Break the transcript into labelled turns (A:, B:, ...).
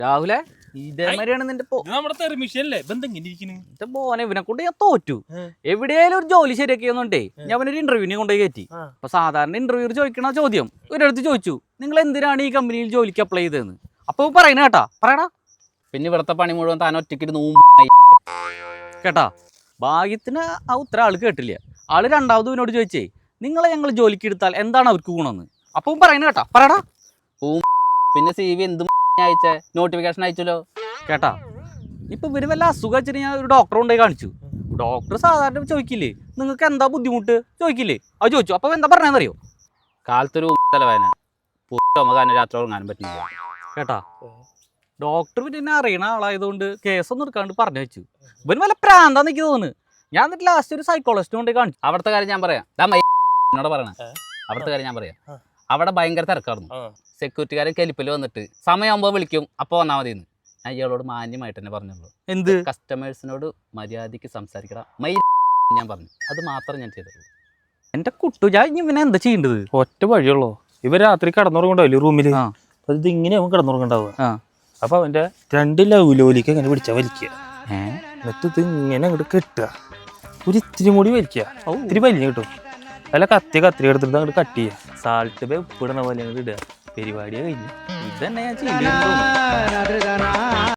A: രാഹുലെ ഇതേമാതിരിയാണ് നിന്റെ മോനെ ഇവനെ കൊണ്ട് ഞാൻ തോറ്റു. എവിടെയായാലും ഒരു ജോലി ശരിയാക്കിയെന്നുണ്ടേ ഞാൻ അവനൊരു ഇന്റർവ്യൂവിനെ കൊണ്ടുപോയി കയറ്റി. അപ്പൊ സാധാരണ ഇന്റർവ്യൂ ചോദിക്കണ ചോദ്യം ഒരിടത്ത് ചോദിച്ചു, നിങ്ങൾ എന്തിനാണ് ഈ കമ്പനിയിൽ ജോലിക്ക് അപ്ലൈ ചെയ്തതെന്ന്. അപ്പൊ പറയണ കേട്ടാ പറയടാ. പിന്നെ ഇവിടത്തെ പണി മുഴുവൻ താൻ ഒറ്റയ്ക്ക് കേട്ടാ. ഭാഗ്യത്തിന് ആ ഉത്തരം ആള് കേട്ടില്ല. ആള് രണ്ടാമത് ഇവനോട് ചോദിച്ചേ, നിങ്ങളെ ഞങ്ങൾ ജോലിക്ക് എടുത്താൽ എന്താണ് അവർക്ക് ഗുണമെന്ന്. അപ്പം പറയണ കേട്ടാ പറയടാ. പിന്നെ സി വി എന്തും അയച്ചേ നോട്ടിഫിക്കേഷൻ അയച്ചല്ലോ കേട്ടാ. ഇപ്പൊ ഇവര് വല്ല അസുഖം വെച്ചിട്ട് ഞാൻ ഒരു ഡോക്ടറെ കൊണ്ടുപോയി കാണിച്ചു. ഡോക്ടർ സാധാരണ ചോദിക്കില്ലേ നിങ്ങൾക്ക് എന്താ ബുദ്ധിമുട്ട് ചോദിക്കില്ലേ, അത് ചോദിച്ചു. അപ്പൊ എന്താ പറഞ്ഞറിയോ, കാലത്തൊരു തലവേദന രാത്രി ഉറങ്ങാനും പറ്റില്ല കേട്ടാ. ഡോക്ടർ പിന്നെ അറിയണ ആളായതുകൊണ്ട് കേസൊന്നും എടുക്കാണ്ട് പറഞ്ഞു വെച്ചു. ഇവന് വല്ല പ്രാന്താന്ന് എനിക്ക് തോന്നുന്നു. ഞാൻ എന്നിട്ട് ലാസ്റ്റ് ഒരു സൈക്കോളജിസ്റ്റ് കൊണ്ട് കാണിച്ചു. അവിടുത്തെ കാര്യം ഞാൻ പറയാം, എന്നോട് പറയണേ. അവിടുത്തെ കാര്യം ഞാൻ പറയാം. അവിടെ ഭയങ്കര തിരക്കായിരുന്നു. സെക്യൂരിറ്റിക്കാരൻ കെലിപ്പിൽ വന്നിട്ട് സമയമാകുമ്പോൾ വിളിക്കും, അപ്പോൾ വന്നാൽ മതി എന്ന്. ഞാൻ ഇയാളോട് മാന്യമായിട്ട് തന്നെ പറഞ്ഞുള്ളൂ. എന്ത് കസ്റ്റമേഴ്സിനോട് മര്യാദയ്ക്ക് സംസാരിക്കണം ഞാൻ പറഞ്ഞു. അത് മാത്രം ഞാൻ ചെയ്തുള്ളൂ. എന്റെ കുട്ടു ഞാൻ ഇവനെ എന്താ ചെയ്യേണ്ടത്?
B: ഒറ്റ വഴിയുള്ളൂ. ഇവർ രാത്രി കിടന്നുറങ്ങണ്ടാവില്ലേ റൂമില്, അത് ഇങ്ങനെ അവൻ കിടന്നുറങ്ങണ്ടാവുക. അപ്പൊ അവന്റെ 2 ലൗലോലിക്ക് ഇങ്ങനെ പിടിച്ചാ വലിക്കുക. എന്നിട്ട് ഇത് ഇങ്ങനെ അങ്ങോട്ട് കെട്ടുക, ഒരു ഇത്തിരി കൂടി വലിക്കുക, ഇത്തിരി വലിഞ്ഞ് കിട്ടും. അല്ല കത്തി എടുത്തിട്ട് അങ്ങോട്ട് കട്ട് ചെയ്യുക, സാൾട്ട് ബേ ഉപ്പിടണ പോലെ അങ്ങോട്ട് ഇടുക. പരിപാടിയെ കഴിഞ്ഞു. ഇതന്നെ ഞാൻ ചെയ്തു.